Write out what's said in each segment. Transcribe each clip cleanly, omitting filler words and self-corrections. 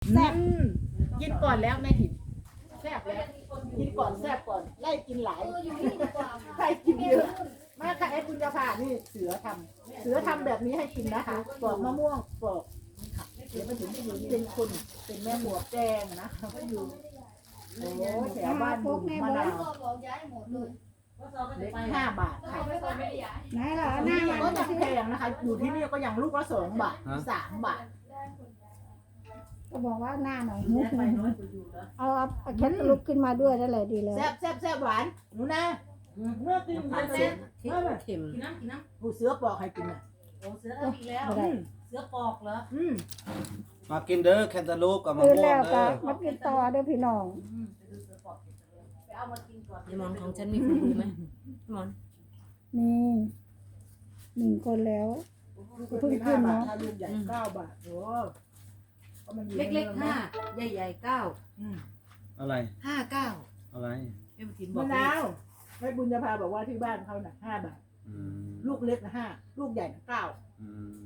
แซ่บกินก่อนแล้วแม่ถิ่นแซ่บแล้วกินก่อนแซ่บก่อนไล่กินหลายไล่กินเยอะมาค่ะไอ้คุณจะผ่านี่เสือทำแบบนี้ให้กินนะคะปอกมะม่วงปอกเดี๋ยวมาถึงจะอยู่เป็นคนเป็นแม่หัวแดงนะก็อยู่โอ้แถวบ้านบุญมะนาวเล็ก5 บาทค่ะไหนล่ะหน้านี่มันก็ยังแพงนะคะอยู่ที่นี่ก็ยังลูกละ2 บาท3 บาทก็บอกว่าหน้าหน่อยมุกหน่อยเอาแคทลุกขึ้นมาด้วยนั่นแหละดีแล้วแซ่บหวานหนูนะเมื่อกินมันแซ่บเค็มผู้เสือปอกให้กินอ่ะโอ้เสืออีกแล้วเสือปอกเหรอมากินเด้อแคนตาลูปกับมะตื่นม่วแล้งวก็เด้อมากินต่อเด้อพี่น้องไปเอามากินก่อนไอ้หมอนของฉันมีคนดูไหมหมอนนี่1 คนแล้วเพิ่งขึ้นเนาะลูกใหญ่9 บาทโอ้เล็กๆ5ใหญ่ๆ9 อะไร 59 อะไรเอ็มกินบอมะกนาวแม่บุญญาภาบอกว่าที่บ้านเขาน่ะ5 บาทอืมลูกเล็กนะ5ลูกใหญ่นะ9 อืม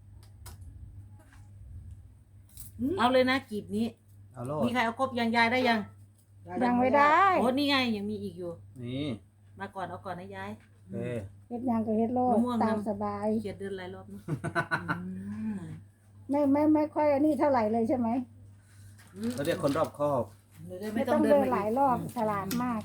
เอาเลยนะกีบนี้เอาโลดมีใครเอาครบยังยายได้ยังยังไม่ได้โอ้นี่ไงยังมีอีกอยู่นี่มาก่อนเอาก่อนนะยายเอ้ยเฮ็ดหยังก็เฮ็ดโลดมะม่วงตามสบายเขียดเดินหลายรอบนะไม่ค่อยอันนี้เท่าไหร่เลยใช่ไหมเราเรียกคนรอบคอบไม่ต้องเดินหลายรอบฉลาดมาก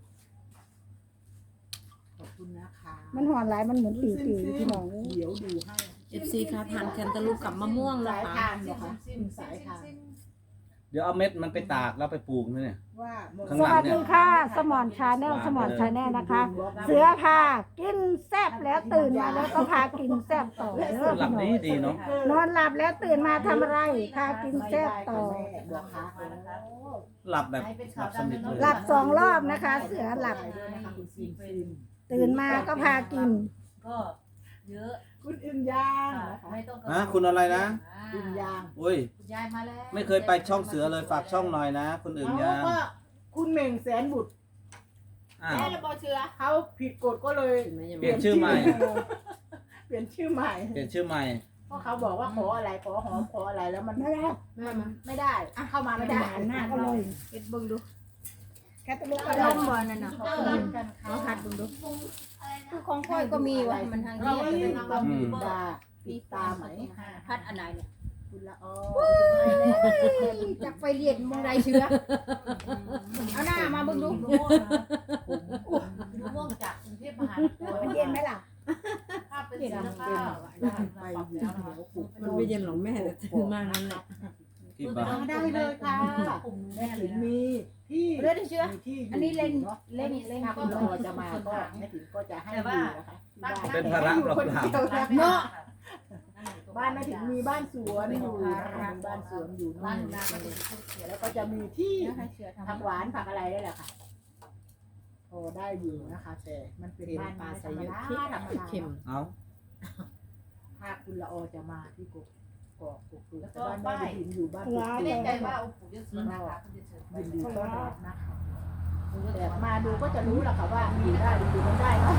ขอบคุณนะคะมันหอนหลายมันเหมือนติ๋วๆพี่น้องเดี๋ยวดูให้ FC คะทานแคนตาลูปกับมะม่วงนะสายคะทานเหรอคะสายทานเดี๋ยวเอาเม็ดมันไปตากแล้วไปปลูกนี่เนี่ยว่าข้างสหลังวัสเนี่ยดีค่ะสมอนชาแนลสมอนชาแนลนะคะ เสือพากินแซ่บแล้วตื่นมาแล้วก็พากินแซ่บต่อเด้อหลับพี่น้องดีเนาะนอนหลับแล้วตื่นมาทำอะไรพากินแซ่บต่อบอกค่ะหลับแบบหลับสนิทเลยหลับ2 รอบนะคะ เสือหลับคุณซิมตื่นมาก็พากินก็เยอะคุณอึมยางนะคะไม่ต้องนะคุณอะไรนะอึมยางอุ้ยคุณยายมาแล้วไม่เคยไปช่องเสือเลยฝากช่องหน่อยนะคุณอื่นยาก็คุณเหม่งแสนบุตรอ้าวแม่ระบอเชื้อเขาผิดกฎก็เลยเปลี่ยนชื่อใหม่เปลี่ยนชื่อใหม่เปลี่ยนชื่อใหม่เพราะเขาบอกว่าขออะไรขอหอมขออะไรแล้วมันไม่ได้ไม่ได้เข้ามาไม่ได้หน้าก็เลยเอ็ดเบิ่งดูแค่ตะลุกกก็ระได้ดมบอลนั่นน่ะขอบคุณกันค่ะเอาหัดเบิ่งดูคือของค่อยก็มีวะมันทางเรานี้ไม่มีความปิดตาปิดตาไหมพัดอันไหนเนี่ยคุณละออจากไฟเรียนมองไรเชื้อเอาหน้ามาเบิ่งดูมะม่วงจากกรุงเทพมหานครมันเย็นไหมล่ะภาพเป็นศิลปะไปอยู่ที่หัวปุกมันไม่เย็นหรอกแม่แต่ตื่นมานั่นแหละกี่บาทได้เลยค่ะแม่ถิ่นมีที่เลือดเชื้อมีที่อันนี้เล่นเนาะเล่นเล่นถ้าก็คุณรอจะมาก็แม่ถิ่นก็จะให้อยู่นะคะที่บ้านเป็นภาระเปล่าเนาะบ้านแม่ถิ่นมีบ้านสวนอยู่มีบ้านสวนอยู่บ้านนี่นาก็เป็นผู้เขียนแล้วก็จะมีที่ให้เชื้อทำผักหวานผักอะไรได้แหละค่ะโอ้ได้อยู่นะคะ แต่มันเป็นบ้านไม้ธรรมดาธรรมดาเข็มเอาถ้าคุณละออจะมาที่กกอกกตูแล้วแต่ก็บ้านแม่ป้ายถิ่นอยู่บ้านไม่แน่ใจว่าองค์ปู่ยศนะคะคุณจะเชิญไปยินดีต้อนรับนะคะแต่มาดูก็จะรู้แหละค่ะว่าอยู่ได้หรืออยู่ไม่ได้เนาะ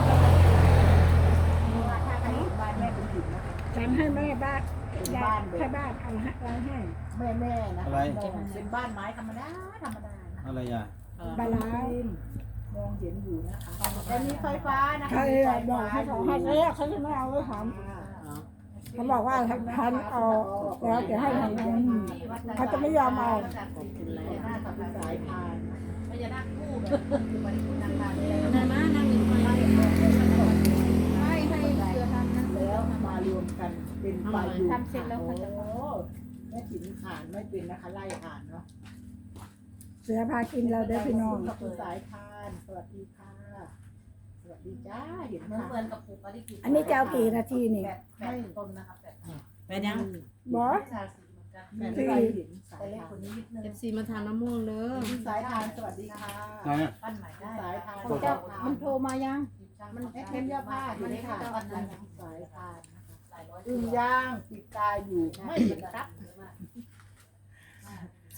เพราะว่าถ้าใครอยู่บ้านแม่เป็นถิ่นนะคะฉันให้แม่บ้านยายให้บ้านเอาให้แม่นะคะเป็นบ้านไม้ธรรมดาธรรมดานะอะไรอ่ะบาลานมองเห็นอยู่นะคะแต่มีไฟฟ้านะคะใครบอกให้เขาให้เรียกเขาจะไม่เอาเลยถามเขาบอกว่าท่านเอาแล้วจะให้ทำไงเขาจะไม่ยอมเอาพญานาคกับสายพานพญานาคคู่แบบวันนี้คุณนางมาเลยนั่นมานั่งอยู่ไปให้เชื้อทำนะแล้วมารวมกันเป็นปลายูโอ้แม่ถิ่นอ่านไม่เป็นนะคะไล่อ่านเนาะเสือพากินเราเด้อพี่น้องขอบคุณสายพานสวัสดีค่ะสวัสดีจ้าเห็นเหมือนค่ะเหมือนกับปลูกอะไรกินอันนี้จะเอากี่นาทีนี่ 8ต้นนะครับ8 เป็นยังบอสชาสีเหมือนกันแม่ไม่ได้เห็นสาแต่ยเล็กพานคนนี้นิดนึง FC มาทานมะม่วงเด้อสายพานสวัสดีค่ะไหนอ่ะปั้นใหม่ได้สายพานเจ้ามันโทรมายังมันแค่เสื้อผ้าอยู่ในค่ะสายพานนะคะหลายร้อยอึ่งย่างปิดตาอยู่ไม่เห็นครับ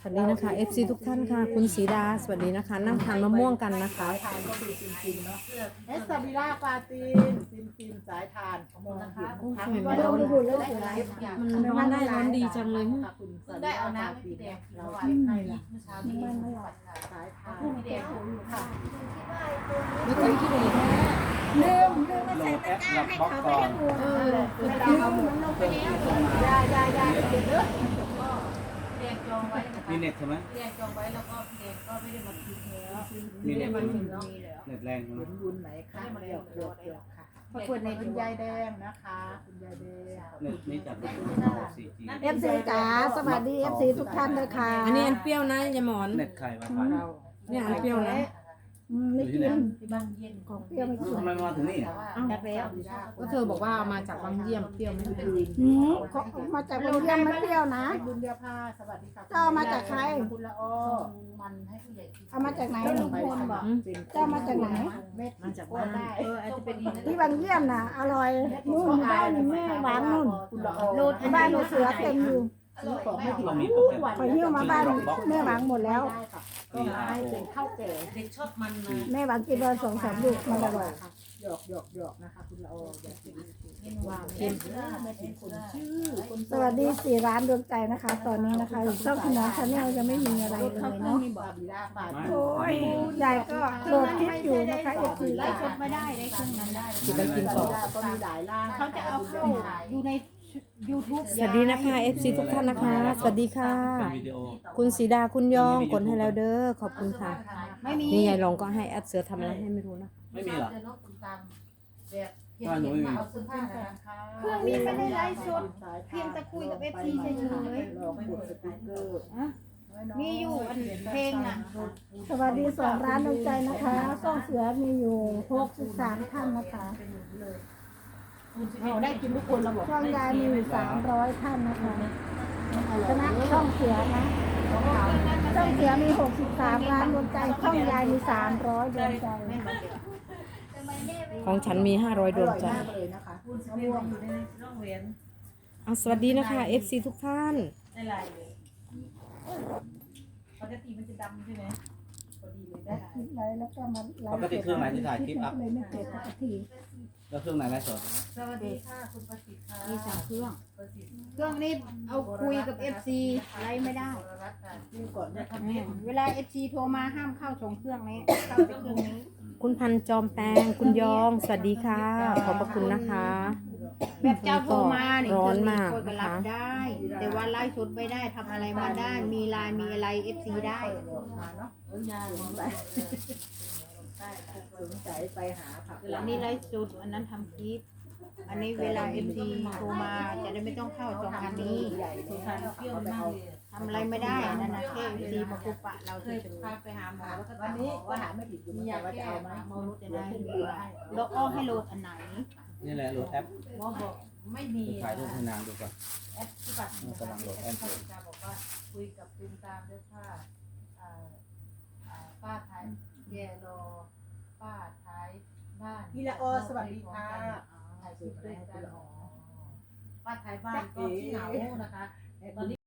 วัสดีนะคะ FC ทุกท่านค่ะ คุณศรีดาสวัสดีนะคะ นั่งทานมะม่วงกันนะคะสายทานก็คือจริงๆเนาะเอสซาบิล่าปาตีนซิมสายทานมองเห็นโอ้ยทั้งเห็นไหมว่าเราเราไม่ดูดูแล้แล้ว วเสียดายมันร้อนได้ร้อนดีจังเลยค่ะคุณเพิ่งได้เอาน้ำให้พี่แดงกินเราเมื่อวานให้ละเมื่อเช้านี้สายสายทานพี่แดงอยู่ค่ะแล้วคนที่ไหนลืมมาโหลใส่ดแอตะปกร้าล็อกให้บล็อกเขาก่ไปอนให้หมดเวลาเรามันลงไปแล้วยายเก็บเด้อพี่แดงจองไว้นะคะมีเน็ตใช่ไหมพี่แดงจองไว้แล้วก็พี่แดงก็ไม่ได้มาคิดแล้วมีเน็ตมาใช่ไหมถึงเนาะเน็ตแรงใช่ไหมเห็นบุญไหนคะเดี๋ยวค่ะขอบคุณในคุณยายแดงนะคะคุณยายแดงเน็ตนี่จาก4G เอฟซีจ๋าสวัสดีเอฟซีทุกท่านเลยค่ะอันนี้อันเปรี้ยวนะยายหมอนเน็ตใครมาผ่านเราเนี่ยอันเปรี้ยวนะไม่กินที่บ้านเย็นของเปรี้ยวไม่กินทำไมมาถึงนี่แต่ว่าจักแล้วก็เธอบอกว่าเอามาจากบางเยี่ยมเปรี้ยวไม่เป็นเขามาจากโรงเรียนไม่เปรี้ยวนะบุญเดียพาสวัสดีค่ะเจ้ามาจากใครคุณละอ้อมันให้ผู้ใหญ่กินเอามาจากไหนลุงพลบอก เจ้ามาจากไหนเม็ดมาจากบ้านอาจจะเป็นที่บางเยี่ยมน่ะอร่อยนู่นบ้านแม่หวานนู่นคุณละอ้อโลดบ้านเสือเต็มอยู่ซื้อของไม่ถึงเรามีโปรแกรมขอหิ้วมาบ้านแม่หวังหมดแล้วได้ค่ะก็ให้เป็นข้าวแก่เด็กชอบมันนะแม่หวังกินวัน2-3 ลูกมันอร่อยหยอกนะคะคุณละอ้ออย่าคิดเมนูว่าเค็มไม่เป็นคนชื่อคนสวัสดี4 ร้านดวงใจนะคะ ตอนนี้นะคะช่องคุณน้องชาแนลยังไม่มีอะไรเลยเนาะบาบิล่าปาโอ้ยยายก็โหลดคลิปอยู่นะคะเอฟซีไล่ชดไม่ได้ได้เครื่องนั้นได้กินไปกินต่อก็มีหลายร่างเขาจะเอาเข้าอยู่ใน YouTube สวัสดีนะคะ FC ทุกท่านนะคะ สวัสดีค่ะเป็นวิดีโอคุณศรีดาคุณยองกดให้แล้วเด้อขอบคุณค่ะไม่มีนี่ยายลองก็ให้แอดเสือทำอะไรให้ไม่รู้นะไม่มีเหรอแบบเห็นมาเอาเสื้อผ้านะคะเครื่องนี้ไม่ได้ไลฟ์สด เพียงแต่คุยกับ FC เฉยลองกดสติ๊กเกอร์มีอยู่อันเพลงน่ะสวัสดี2 ร้านดวงใจนะคะช่องเสือมีอยู่63 ท่านนะคะเราได้กินทุกคนเราบอกช่องยายมีอยู่300 ท่านนะคะคณะช่องเสือนะช่องเสือมี63 ร้านดวงใจช่องยายมี300ดวงใจของฉันมี500ดวงใจมากเลยนะคะคุณสม่วงอยู่ในร่องเวียนเอาสวัสดีนะคะ FC ทุกท่านในลายเลยปกติมันจะดำใช่ไหมพอดีเลยได้คลิปไลฟ์แล้วก็มาไลปฟ์กติเครื่องไหนที่ถ่ายคลิปอัพเลยไม่เสร็จสักทีแล้วเครื่องไหนไลฟ์สดสวัสดีค่ะคุณประสิทธิ์ค่ะมีสามเครื่องประสิทธิ์เครื่องนี้เอาคุยกับ FC ไลฟ์ไม่ได้รัตน์ค่ะนี่ก่อนนะเวลา FC โทรมาห้ามเข้า2เครื่องนี้เข้าแต่เครื่องนี้คุณพันจอมแปงคุณยอง สวัสดีค่ะ ขอบพระคุณนะคะแบบเจ้าโทรมาเนี่ยร้อนมากคนก็นะรับคะได้ แต่ว่าไลฟ์สดไม่ได้ทำอะไรมาได้ มีไลน์มีอะไร FC ได้มาเนาะยาสนใจไปหาผักอันนี้ไลฟ์สดอันนั้นทำคลิป อันนี้เวลา FC โทรมาจะได้ไม่ต้องเข้าสองคันนี้ใหญ่ที่ทานเปรี้ยวมากเลยทำอะไรไม่ได้นั่นนะแค่ FC มาคุปะเราเคเฉยยพาไปหาหมอแล้วก็วันนี้ก็หาไม่ผิดอยู่เหมือนกันว่าจะเอาไหมๆจะได้แล้วอ้อให้โหลดอันไหนนี่แหละโหลดแอปหมอบอกไม่มีถ่ายรูปให้นางดูก่อนแอปที่บัตรบอกว่าคุยกับตุมตามด้วยค่ะป้าท้ายแย่รอป้าท้ายบ้านพี่ละออสวัสดีค่ะถ่ายคลิปด้วยกันป้าท้ายบ้านก็ที่เหงานะคะตอนนี้